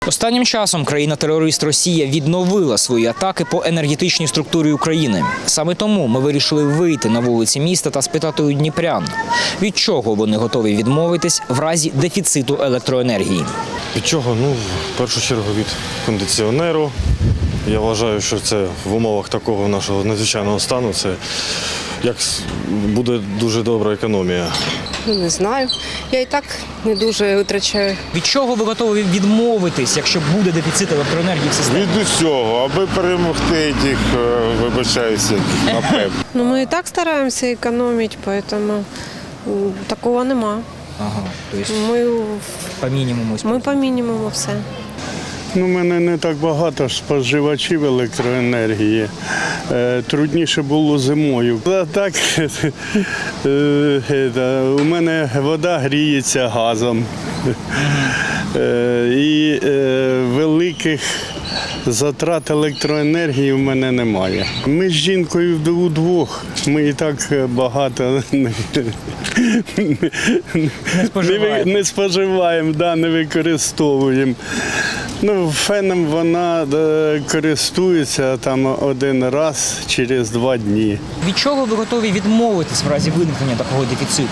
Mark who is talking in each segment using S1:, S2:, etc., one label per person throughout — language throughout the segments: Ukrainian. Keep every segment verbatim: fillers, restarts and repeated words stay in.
S1: Останнім часом країна-терорист Росія відновила свої атаки по енергетичній структурі України. Саме тому ми вирішили вийти на вулиці міста та спитати у дніпрян, від чого вони готові відмовитись в разі дефіциту електроенергії.
S2: Від чого? Ну, в першу чергу від кондиціонеру. Я вважаю, що це в умовах такого нашого надзвичайного стану, це як буде дуже добра економія.
S3: Ну, не знаю. Я і так не дуже витрачаю.
S1: Від чого ви готові відмовитись, якщо буде дефіцит електроенергії в системі?
S4: Від усього, аби перемогти тих, вибачаюся, напев.
S3: Ну, ми і так стараємося економити, тому м, такого нема.
S1: Ага, тобто
S3: Ми,
S1: по мінімуму.
S3: ми по мінімуму все.
S5: Ну, у мене не так багато споживачів електроенергії. Е, Трудніше було зимою. А так, е, е, у мене вода гріється газом. Е, І е, великих затрат електроенергії в мене немає. Ми з жінкою удвох. Ми і так багато не,
S1: Не споживаєте.
S5: не, не споживаємо, да, не використовуємо. Ну, феном вона е, користується там один раз через два дні.
S1: Від чого ви готові відмовитись в разі виникнення такого дефіциту?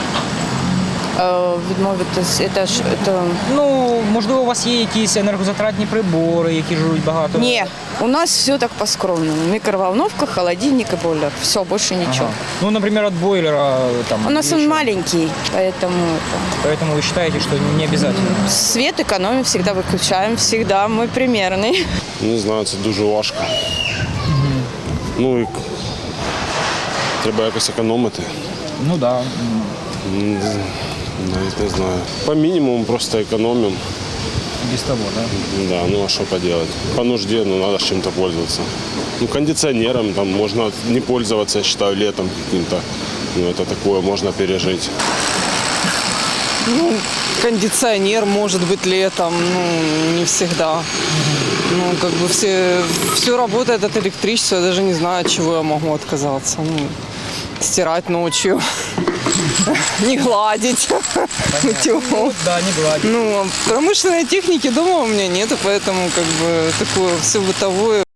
S6: Е, Відмовитись, це ж це...
S1: Ну, можливо, у вас є якісь енергозатратні прибори, які жруть багато?
S6: Ні, у нас все так по-скромному. Микроволновка, холодильник и бойлер. Все, больше ничего.
S1: Ага. Ну, например, от бойлера там.
S6: У нас он
S1: еще.
S6: маленький, поэтому это...
S1: Поэтому вы считаете, что не обязательно?
S6: Свет экономим, всегда выключаем, всегда. Мы примерный.
S2: Не знаю, це дуже важко. Ну і треба якось економити.
S1: Ну да.
S2: М, Навіть не знаю. По мінімуму просто економимо.
S1: Без того, да?
S2: Да, ну а что поделать? По нужде, ну надо чем-то пользоваться. Ну, кондиционером там можно не пользоваться, я считаю, летом каким-то. Ну, это такое, можно пережить.
S7: Ну, кондиционер может быть летом, ну, не всегда. Ну, как бы все, все работает от электричества, я даже не знаю, от чего я могу отказаться. Ну, стирать ночью, не гладить.
S1: Ну, да, не гладить.
S7: Ну, промышленной техники дома у меня нету, поэтому как бы такое все бытовое.